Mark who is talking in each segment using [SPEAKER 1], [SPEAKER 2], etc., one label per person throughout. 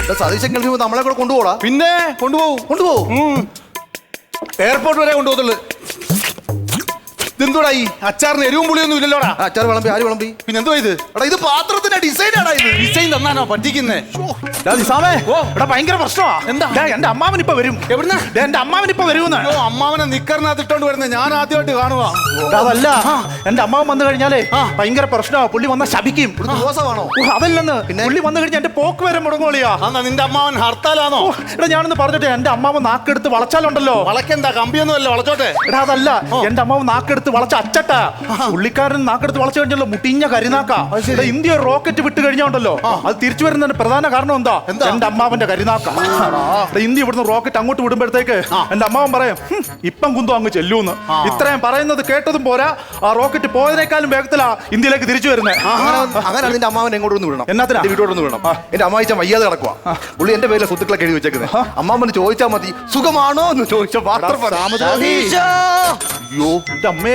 [SPEAKER 1] സതീശെങ്കിൽ നമ്മളെ കൂടെ കൊണ്ടുപോടാ.
[SPEAKER 2] പിന്നെ കൊണ്ടുപോകും. എയർപോർട്ട് വരെ കൊണ്ടുപോകത്തുള്ളു. ഇതെന്തോടാ ഈ അച്ചാറിന് എരിവും പുളിയൊന്നും ഇല്ലല്ലോടാ.
[SPEAKER 1] അച്ചാർ വിളമ്പി ആര് വിളമ്പി?
[SPEAKER 2] പിന്നെ എന്തോ ഇത്?
[SPEAKER 1] എടാ ഇത് പാത്രത്തിന്റെ ഡിസൈൻ ആടാ. ഇത്
[SPEAKER 2] ഡിസൈൻ തന്നാനോ പറ്റിക്കുന്നേ?
[SPEAKER 3] ഭയങ്കര പ്രശ്നമാ.
[SPEAKER 2] എന്താ?
[SPEAKER 3] എന്റെ അമ്മാവൻ ഇപ്പൊ വരും.
[SPEAKER 2] എവിടുന്ന?
[SPEAKER 3] എന്റെ അമ്മാവൻ ഇപ്പൊ വരുമെന്ന്.
[SPEAKER 2] അമ്മാവനെ നിക്കറിനകത്ത് ഇട്ടോണ്ട് വരുന്നത് ഞാൻ ആദ്യമായിട്ട് കാണുക.
[SPEAKER 3] അതല്ല, എന്റെ അമ്മാവൻ വന്നു കഴിഞ്ഞാലേ ഭയങ്കര പ്രശ്നമാ. പുള്ളി വന്ന ശപിക്കും.
[SPEAKER 1] ദോഷമാണോ?
[SPEAKER 3] അതല്ലെന്ന്, പുള്ളി വന്നു കഴിഞ്ഞാൽ എന്റെ പോക്ക് വരെ മുടങ്ങോളിയാ.
[SPEAKER 2] എന്നാ നിന്റെ അമ്മാവൻ ഹർത്താലാണോ?
[SPEAKER 3] എടാ ഞാനൊന്ന് പറഞ്ഞിട്ട്, എന്റെ അമ്മാവൻ നാക്കെടുത്ത് വളച്ചാലുണ്ടല്ലോ.
[SPEAKER 2] വളക്കെന്താ കമ്പിയൊന്നും അല്ല, വളച്ചോട്ടെ.
[SPEAKER 3] എടാ അതല്ല, എന്റെ അമ്മാവൻ നാക്കെടുത്ത് വളച്ച അച്ചട്ടാ. പുള്ളിക്കാരൻ നാക്കെടുത്ത് വളച്ചു കഴിഞ്ഞല്ലോ മുട്ടിഞ്ഞ കരിനാക്കാ. ഇന്ത്യ റോക്കറ്റ് വിട്ട് കഴിഞ്ഞോണ്ടല്ലോ, അത് തിരിച്ചു വരുന്നതിന്റെ പ്രധാന കാരണം എന്താ? എന്റെ അമ്മാവന്റെ കരിനാക്ക. ഇന്ത്യ ഇവിടുന്ന് റോക്കറ്റ് അങ്ങോട്ട് വിടുമ്പോഴത്തേക്ക് എന്റെ അമ്മാവൻ പറയും ഇപ്പം കുന്തോ അങ്ങ് ചെല്ലൂന്ന്. ഇത്രയും പറയുന്നത് കേട്ടതും പോരാ, ആ റോക്കറ്റ് പോയതിനേക്കാളും വേഗത്തിലാ ഇന്ത്യയിലേക്ക് തിരിച്ചു വരുന്നത്.
[SPEAKER 1] അങ്ങനെ നിന്റെ അമ്മാവൻ എങ്ങോട്ടൊന്ന് വിടണം.
[SPEAKER 3] എന്നാത്തിനാ?
[SPEAKER 1] വീട്ടോടൊന്ന് വിടണം. എന്റെ അമ്മായിച്ച വയ്യാതെ കിടക്കുക. പുള്ളി എന്റെ പേരിലെ സ്വത്തുക്കളൊക്കെ എഴുതി വെച്ചേക്കുന്നത്. അമ്മാവന് ചോദിച്ചാൽ മതി സുഖമാണോ എന്ന് ചോദിച്ചാൽ മാത്രം.
[SPEAKER 3] അയ്യോ എന്റെ അമ്മേ,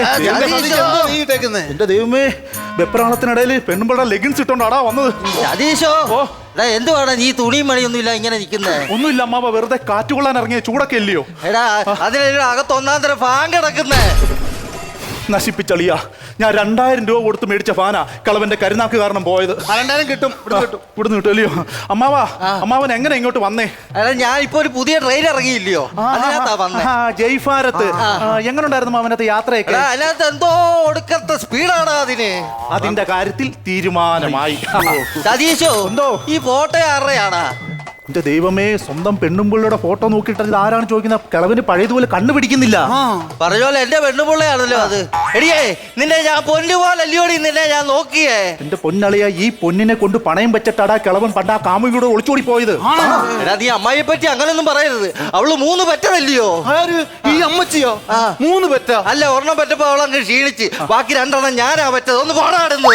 [SPEAKER 3] എന്റെ ദൈവമേ, വെപ്രാളത്തിനിടയിൽ പെണ്ണുമ്പളുടെ ലെഗിൻസ് ഇട്ടോണ്ടാടാ വന്നത്.
[SPEAKER 4] സതീശോ, എന്തുവാണ് നീ തുണിയും മണിയൊന്നും ഇല്ല ഇങ്ങനെ നിൽക്കുന്നേ?
[SPEAKER 3] ഒന്നുമില്ല അമ്മാവ, വെറുതെ കാറ്റുകൊള്ളാൻ ഇറങ്ങിയ ചൂടൊക്കെ ഇല്ലയോ?
[SPEAKER 4] എടാ അതിന് അകത്ത് ഒന്നാം തരം ഫാൻ കിടക്കുന്നേ.
[SPEAKER 3] നശിപ്പിച്ചളിയാ, ഞാൻ 2000 രൂപ കൊടുത്ത് മേടിച്ച ഫാനാ കളവന്റെ കരുനാക്ക് കാരണം പോയത്.
[SPEAKER 2] 2000 കിട്ടും.
[SPEAKER 3] ഇവിടുന്ന് കിട്ടും അല്ലയോ? അമ്മാവൻ എങ്ങനെ ഇങ്ങോട്ട് വന്നേ?
[SPEAKER 4] എടാ ഞാൻ ഇപ്പൊ ഒരു പുതിയ ട്രെയിൻ ഇറങ്ങിയില്ലയോ, അതിനകത്താ വന്നേ.
[SPEAKER 3] ജയ്ഭാരത് എങ്ങനെ ഉണ്ടായിരുന്നു മാമനത്തെ യാത്രയൊക്കെ?
[SPEAKER 4] അതിനകത്ത് എന്തോ ഒടുക്കത്തെ സ്പീഡാണ് അതിന്.
[SPEAKER 3] അതിന്റെ കാര്യത്തിൽ തീരുമാനമായി.
[SPEAKER 4] സതീശോ,
[SPEAKER 3] എന്തോ
[SPEAKER 4] ഈ ഫോട്ടോ ആരുടെയാടാ?
[SPEAKER 3] എന്റെ ദൈവമേ, സ്വന്തം പെണ്ണുമ്പിള്ളയുടെ ഫോട്ടോ നോക്കിയിട്ട് ഇത് ആരാണ് ചോദിക്കുന്നത്? കിളവിന് പഴയതുപോലെ കണ്ടുപിടിക്കുന്നില്ല.
[SPEAKER 4] പറഞ്ഞോലെ എന്റെ പെണ്ണുപിള്ളയാണല്ലോ അത്. എടിയേ, നിന്നെ ഞാൻ പൊന്നുപോലെ അല്ലയോടി നിന്നെ ഞാൻ നോക്കിയേ.
[SPEAKER 3] എന്റെ പൊന്നളിയ, ഈ പൊന്നിനെ കൊണ്ട് പണയം വെച്ചിട്ടാടാ കിളവൻ പണ്ട് ആ കാമുകിയുടെ ഒളിച്ചോടി പോയത്.
[SPEAKER 4] എടാ നീ അമ്മായിയെ പറ്റി അങ്ങനൊന്നും പറയരുത്. അവള് 3 പെറ്റതല്ലയോ?
[SPEAKER 2] ഈ അമ്മച്ചിയോ? 3 പെറ്റ?
[SPEAKER 4] അല്ല, ഒരെണ്ണം പെറ്റപ്പോ അവളങ്ങ് ക്ഷീണിച്ച്, ബാക്കി 2 ഞാനാ പറ്റത്. ഒന്ന് പാടാടുന്നു.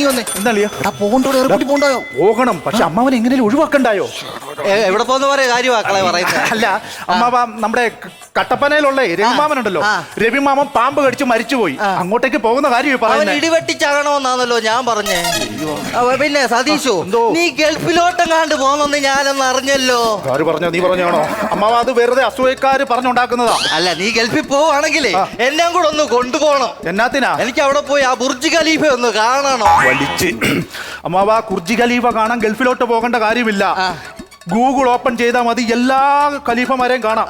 [SPEAKER 3] പോകണം, പക്ഷെ അമ്മാവൻ എങ്ങനെയും ഒഴിവാക്കണ്ടായോ?
[SPEAKER 4] എവിടെ പോകുന്ന പോലെ കാര്യമാക്കളെ പറയുന്നത്.
[SPEAKER 3] അല്ല അമ്മാവ, നമ്മുടെ കട്ടപ്പനയിലുള്ള രവിമാമനുണ്ടല്ലോ, രവിമാമൻ പാമ്പ് കടിച്ച് മരിച്ചുപോയി. അങ്ങോട്ടേക്ക് പോകുന്ന കാര്യം പറയുന്നത്.
[SPEAKER 4] ഇടിവെട്ടിച്ചാകണമെന്നാണല്ലോ ഞാൻ പറഞ്ഞേ. പിന്നെ സതീശോ, നീ ഗൾഫിലോട്ടെങ്ങാണ്ട് പോന്നെന്ന് ഞാനൊന്ന് അറിഞ്ഞല്ലോ.
[SPEAKER 3] ആര് പറഞ്ഞോ? നീ പറഞ്ഞാണോ? അമ്മാവ, അത് വെറുതെ അസൂയക്കാര് പറഞ്ഞുണ്ടാക്കുന്നതാ.
[SPEAKER 4] അല്ല, നീ ഗൾഫിൽ പോവാണെങ്കിലേ എന്നെ കൂടെ ഒന്ന് കൊണ്ടുപോകണം.
[SPEAKER 3] എന്നാത്തിനാ?
[SPEAKER 4] എനിക്ക് അവിടെ പോയി ആ ബുർജ് ഖലീഫ ഒന്ന് കാണണം.
[SPEAKER 3] വലിച്ച് അമ്മാവ, ബുർജ് ഖലീഫ കാണാൻ ഗൾഫിലോട്ട് പോകേണ്ട കാര്യമില്ല. ഗൂഗിൾ ഓപ്പൺ ചെയ്താൽ മതി, എല്ലാ ഖലീഫമാരെയും കാണാം.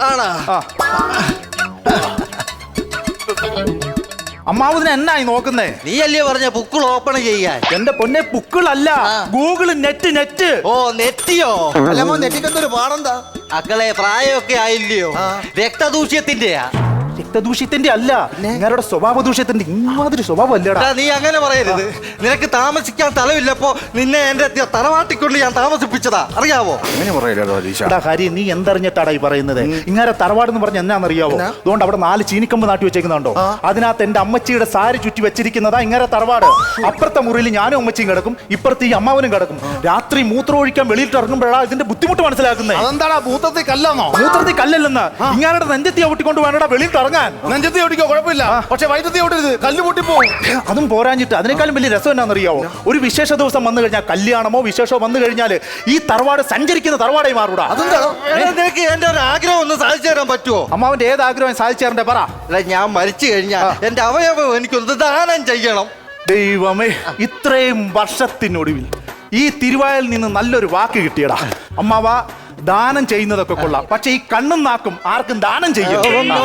[SPEAKER 3] അമ്മാവതിനെ എന്നായി നോക്കുന്നേ?
[SPEAKER 4] നീ അല്ലേ പറഞ്ഞ ബുക്കുകൾ ഓപ്പൺ ചെയ്യാൻ?
[SPEAKER 3] എന്റെ പൊന്നെ, ബുക്കുകളല്ല, ഗൂഗിൾ നെറ്റ്.
[SPEAKER 4] ഓ, നെറ്റിയോ?
[SPEAKER 1] അല്ല, നെറ്റിക്കെന്തൊരു പാടെന്താ?
[SPEAKER 4] മക്കളെ പ്രായമൊക്കെ ആയില്ലയോ? രക്തദൂഷ്യത്തിന്റെയാ.
[SPEAKER 3] രക്തദൂഷ്യത്തിന്റെ അല്ല, നിങ്ങളുടെ സ്വഭാവ ദൂഷ്യത്തിന്റെ. ഇമാതിരി സ്വഭാവം അല്ലടാ.
[SPEAKER 4] നീ അങ്ങനെ പറയരുത്. നിനക്ക് താമസിക്കാൻ സ്ഥലമില്ലപ്പോ നിന്നെ എന്റെ തറവാട്ടിക്കൊണ്ട് ഞാൻ താമസിപ്പിച്ചതാ, അറിയാവോ?
[SPEAKER 3] ഹരി, നീ എന്തറിഞ്ഞിട്ടാടാ ഈ പറയുന്നത്? ഇങ്ങനെ തറവാടെന്ന് പറഞ്ഞ എന്നാന്നറിയാവോ? അതുകൊണ്ട് അവിടെ 4 ചീനിക്കമ്പ് നാട്ടി വെച്ചേക്കുന്നുണ്ടോ? അതിനകത്ത് എന്റെ അമ്മച്ചിയുടെ സാരി ചുറ്റി വെച്ചിരിക്കുന്നതാ ഇങ്ങനെ തറവാട്. അപ്പുറത്തെ മുറിയിൽ ഞാനും അമ്മച്ചിയും കിടക്കും, ഇപ്പുറത്ത് ഈ അമ്മാവനും കിടക്കും. രാത്രി മൂത്രം ഒഴിക്കാൻ വെളിയിട്ട് ഇറങ്ങുമ്പോഴാ ഇതിന്റെ ബുദ്ധിമുട്ട് മനസ്സിലാക്കുന്നത്.
[SPEAKER 2] അതെന്താടാ, മൂത്രത്തിൽ കല്ലാന്നോ?
[SPEAKER 3] മൂത്രത്തിൽ കല്ലല്ലെന്ന്, ഇങ്ങനെ നെഞ്ചത്തി ഒട്ടിക്കൊണ്ട് വേണടാ വെളിയിട്ട് ഇറങ്ങാൻ.
[SPEAKER 2] നെഞ്ചത്തി ഓടിക്കോ, കുഴപ്പമില്ല, പക്ഷെ വയറ്റത്തി ഓടരുത്, കല്ല് പൊട്ടിപ്പോവും.
[SPEAKER 3] അതും പോരാഞ്ഞിട്ട് അതിനേക്കാളും വലിയ രസം എന്നാണെന്നറിയാവോ? ഒരു വിശേഷ ദിവസം വന്നു കഴിഞ്ഞാൽ, കല്യാണമോ വിശേഷമോ വന്നു കഴിഞ്ഞാൽ ഈ തറവാട് സഞ്ചരിക്കുന്ന തറവാടായി മാറൂടാ.
[SPEAKER 4] നിനക്ക് എന്റെ ഒരു ആഗ്രഹം ഒന്ന് സാധിച്ചു തരാൻ പറ്റുമോ?
[SPEAKER 3] അമ്മാവന്റെ ഏത് ആഗ്രഹം സാധിച്ചു തരണ്ടേ പറ.
[SPEAKER 4] ഞാൻ മരിച്ചു കഴിഞ്ഞാൽ എന്റെ അവയവം എനിക്കൊന്ന് ദാനം ചെയ്യണം.
[SPEAKER 3] ദൈവമേ, ഇത്രയും വർഷത്തിനൊടുവിൽ ഈ തിരുവായിൽ നിന്ന് നല്ലൊരു വാക്ക് കിട്ടിയടാ. അമ്മാവ, ദാനം ചെയ്യുന്നതൊക്കെ കൊള്ളാം, പക്ഷെ ഈ കണ്ണും നാക്കും ആർക്കും ദാനം ചെയ്യും.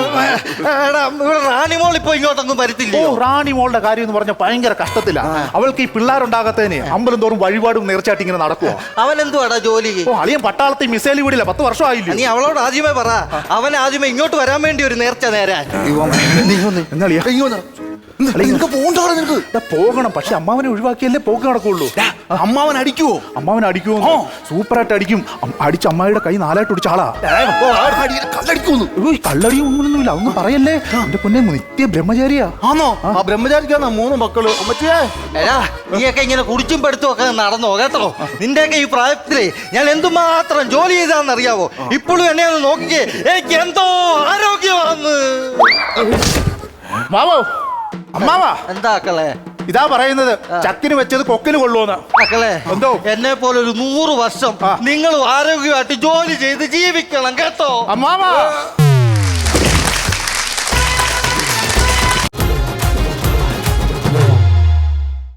[SPEAKER 4] റാണിമോൾ ഇപ്പൊ ഇങ്ങോട്ടൊന്നും വരത്തില്ല.
[SPEAKER 3] റാണിമോളുടെ കാര്യം എന്ന് പറഞ്ഞാൽ ഭയങ്കര കഷ്ടത്തിലാണ്. അവൾക്ക് ഈ പിള്ളേരുണ്ടാകത്തതിന് അമ്പലം തോറും വഴിപാടും നേർച്ചയായിട്ട് ഇങ്ങനെ നടക്കുവോ?
[SPEAKER 4] അവൻ എന്തുവാടാ ജോലി?
[SPEAKER 3] അളിയൻ പട്ടാളത്തിൽ മിസൈൽ വിടില്ല, 10 വർഷമായില്ലേ.
[SPEAKER 4] നീ അവളോട് ആദ്യമേ പറ, അവൻ ആദ്യമേ ഇങ്ങോട്ട് വരാൻ വേണ്ടി ഒരു നേർച്ച നേരാൻ.
[SPEAKER 3] പോകണം, പക്ഷെ അമ്മാവനെ ഒഴിവാക്കിയല്ലേ പോക്ക് നടക്കുള്ളൂ.
[SPEAKER 2] അമ്മാവൻ അടിക്കുവോ?
[SPEAKER 3] അമ്മാവൻ അടിക്കുമോ? സൂപ്പറായിട്ട് അടിക്കും. അടിച്ച് അമ്മായിയുടെ കൈ 4 ഒടിച്ച ആളാ. കള്ളടിയും ഒന്നുമില്ല, അതൊന്നും പറയല്ലേ. എന്റെ പൊന്നെ, നിത്യ ബ്രഹ്മചാരിയാ.
[SPEAKER 2] ആണോ? ആ ബ്രഹ്മചാരിക്കാണ് 3 മക്കള്.
[SPEAKER 4] നീയൊക്കെ ഇങ്ങനെ കുടിച്ചും പെടുത്തും ഒക്കെ നടന്നോ കേട്ടോ? നിന്റെയൊക്കെ ഈ പ്രായത്തിലേ ഞാൻ എന്തുമാത്രം ജോലി ചെയ്താന്നറിയാവോ? ഇപ്പോഴും എന്നെ ഒന്ന് നോക്കിക്കേ, എനിക്ക് എന്തോ ആരോഗ്യമാന്ന്.
[SPEAKER 3] അമ്മാവാ,
[SPEAKER 4] എന്താക്കളെ?
[SPEAKER 3] ഇതാ പറയുന്നത് ചക്കിന് വെച്ചത് കൊക്കിന് കൊള്ളുമെന്ന്.
[SPEAKER 4] മക്കളെ
[SPEAKER 3] എന്തോ?
[SPEAKER 4] എന്നെ പോലെ ഒരു 100 വർഷം നിങ്ങൾ ആരോഗ്യമായിട്ട് ജോലി ചെയ്ത് ജീവിക്കണം കേട്ടോ.
[SPEAKER 3] അമ്മാവ